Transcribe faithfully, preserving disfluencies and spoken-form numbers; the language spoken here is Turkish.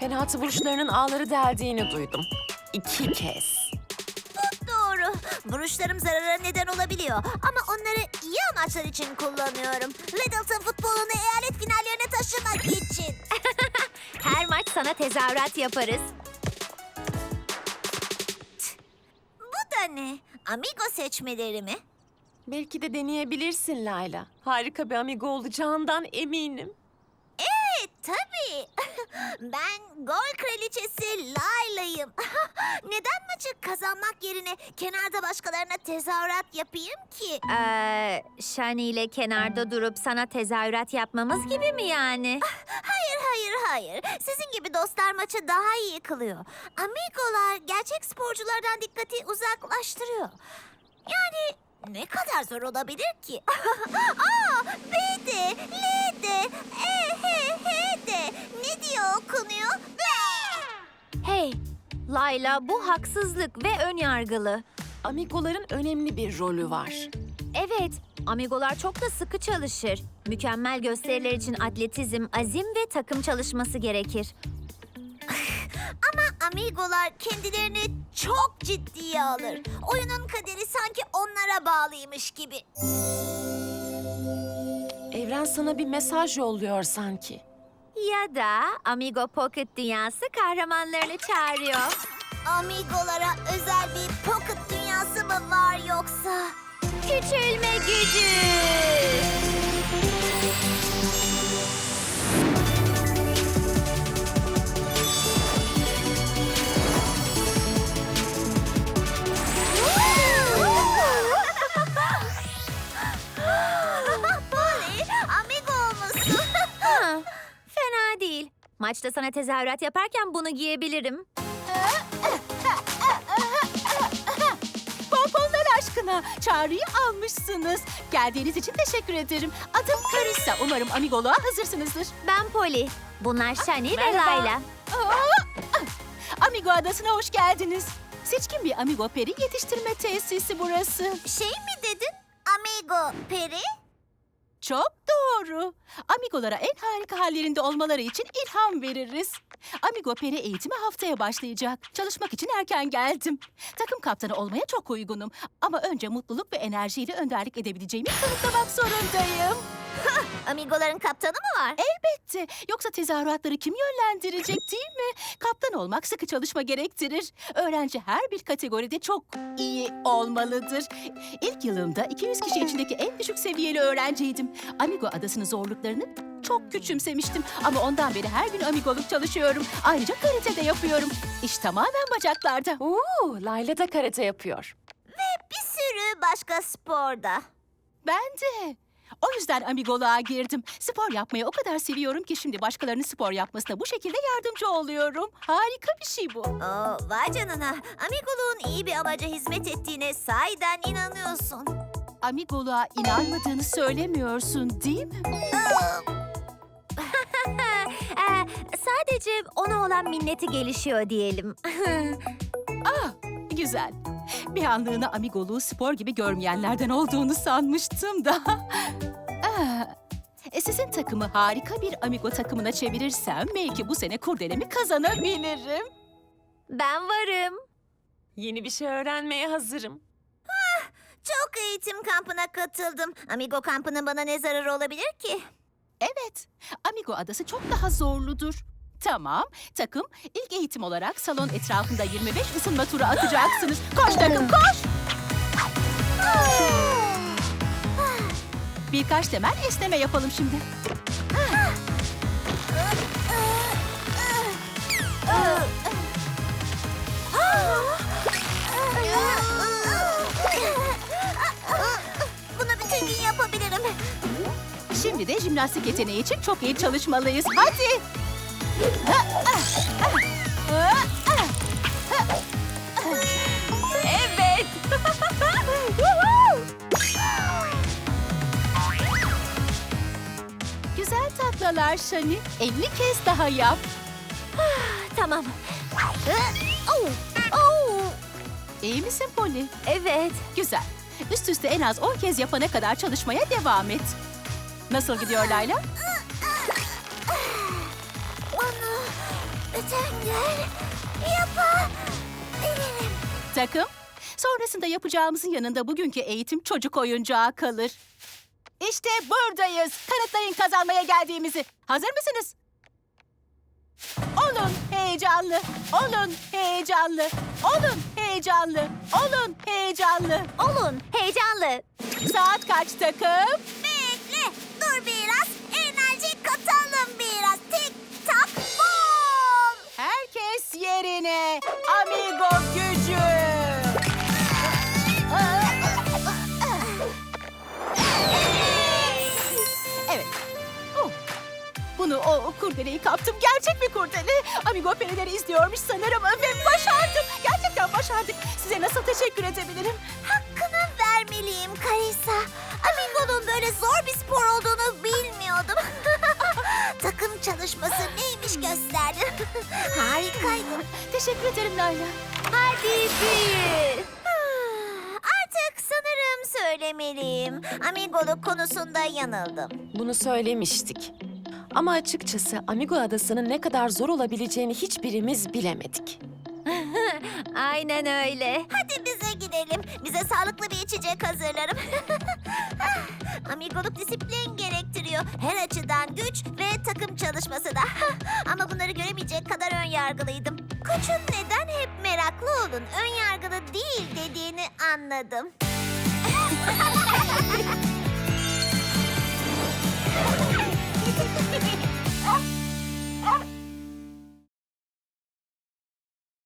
penaltı vuruşlarının ağları deldiğini duydum. İki kez. Doğru. Vuruşlarım zarara neden olabiliyor. Ama onları iyi amaçlar için kullanıyorum. Littleton futbolunu eyalet finallerine taşımak için. Her maç sana tezahürat yaparız. Bu da ne? Amigo seçmeleri mi? Belki de deneyebilirsin Layla. Harika bir amigo olacağından eminim. Evet, tabii. Ben gol kraliçesi Layla'yım. Neden maçı kazanmak yerine kenarda başkalarına tezahürat yapayım ki? Ee, Shani ile kenarda durup sana tezahürat yapmamız gibi mi yani? Hayır, hayır, hayır. Sizin gibi dostlar maçı daha iyi kılıyor. Amigolar gerçek sporculardan dikkati uzaklaştırıyor. Yani ne kadar zor olabilir ki? Aa, B de, L de, E, H, H de. Ne diye okunuyor? Hey, Layla, bu haksızlık ve önyargılı. Amigoların önemli bir rolü var. Evet, amigolar çok da sıkı çalışır. Mükemmel gösteriler için atletizm, azim ve takım çalışması gerekir. Ama amigolar kendilerini çok ciddiye alır. Oyunun kaderi sanki onlara bağlıymış gibi. Evren sana bir mesaj yolluyor sanki. Ya da Amigo Pocket dünyası kahramanlarını çağırıyor. Amigolara özel bir pocket dünyası mı var yoksa? Küçülme gücü! Polly, amigo olmuşsun. Ha, fena değil. Maçta sana tezahürat yaparken bunu giyebilirim. Pomponlar aşkına çağrıyı almışsınız. Geldiğiniz için teşekkür ederim. Adım Carissa. Umarım amigoluğa hazırsınızdır. Ben Polly. Bunlar Shani ve merhaba. Layla. Aa! Amigo Adası'na hoş geldiniz. Seçkin bir amigo peri yetiştirme tesisi burası. Şey mi dedin? Amigo, peri? Çok doğru. Amigolara en harika hallerinde olmaları için ilham veririz. Amigo peri eğitimi haftaya başlayacak. Çalışmak için erken geldim. Takım kaptanı olmaya çok uygunum. Ama önce mutluluk ve enerjiyle önderlik edebileceğimi kanıtlamak zorundayım. Amigoların kaptanı mı var? Elbette. Yoksa tezahüratları kim yönlendirecek değil mi? Kaptan olmak sıkı çalışma gerektirir. Öğrenci her bir kategoride çok iyi olmalıdır. İlk yılımda iki yüz kişi içindeki en düşük seviyeli öğrenciydim. Amigo adasının zorluklarını çok küçümsemiştim. Ama ondan beri her gün amigoluk çalışıyorum. Ayrıca karate de yapıyorum. İş tamamen bacaklarda. Oo, Layla da karate yapıyor. Bir sürü başka sporda. Ben de. O yüzden amigoluğa girdim. Spor yapmayı o kadar seviyorum ki şimdi başkalarının spor yapmasına bu şekilde yardımcı oluyorum. Harika bir şey bu. Oo, vay canına. Amigoluğun iyi bir amaca hizmet ettiğine sahiden inanıyorsun. Amigoluğa inanmadığını söylemiyorsun değil mi? Ee, sadece ona olan minneti gelişiyor diyelim. Ah, güzel. Bir anlığına amigoluğu spor gibi görmeyenlerden olduğunu sanmıştım da. Ah, e, sizin takımı harika bir amigo takımına çevirirsem belki bu sene kurdelemi kazanabilirim. Ben varım. Yeni bir şey öğrenmeye hazırım. Çok eğitim kampına katıldım. Amigo kampının bana ne zararı olabilir ki? Evet, Amigo adası çok daha zorludur. Tamam, takım ilk eğitim olarak salon etrafında yirmi beş ısınma turu atacaksınız. Koş takım, koş! Birkaç temel esneme yapalım şimdi. Bunu bütün gün yapabilirim. Şimdi de jimnastik yeteneği için çok iyi çalışmalıyız. Hadi! Evet. Güzel taklalar Shani. elli kez daha yap. Tamam. İyi misin Polly? Evet. Güzel. Üst üste en az on kez yapana kadar çalışmaya devam et. Nasıl gidiyor Layla? Bana Bütün gün yapabilirim. Takım, sonrasında yapacağımızın yanında bugünkü eğitim çocuk oyuncağı kalır. İşte buradayız. Kanıtlayın kazanmaya geldiğimizi. Hazır mısınız? Olun heyecanlı, olun heyecanlı, olun heyecanlı, olun heyecanlı. Olun, heyecanlı. Saat kaç takım? Bekle, dur biraz. Enerji katalım biraz. Tik tak bom. Herkes yerine. Amigo gücü. Evet. Oh. Bunu o, o kurdeleyi kaptım. Gerçek bir kurdele. Amigo perileri izliyormuş sanırım ve başardım. Gerçekten başardık. Size nasıl teşekkür edebilirim? Hakkını vermeliyim Karisa. Amigo'nun böyle zor bir spor olduğunu bilmiyordum. Takım çalışması neymiş gösterdi. Harikaydı. Teşekkür ederim Layla. Hadi büyü. Artık sanırım söylemeliyim. Amigoluk konusunda yanıldım. Bunu söylemiştik. Ama açıkçası Amigo Adası'nın ne kadar zor olabileceğini hiçbirimiz bilemedik. Aynen öyle. Hadi bize gidelim. Bize sağlıklı bir içecek hazırlarım. Amigoluk disiplin gerektiriyor. Her açıdan güç ve takım çalışması da. Ama bunları göremeyecek kadar ön yargılıydım. Koçun neden hep meraklı olun, ön yargılı değil dediğini anladım.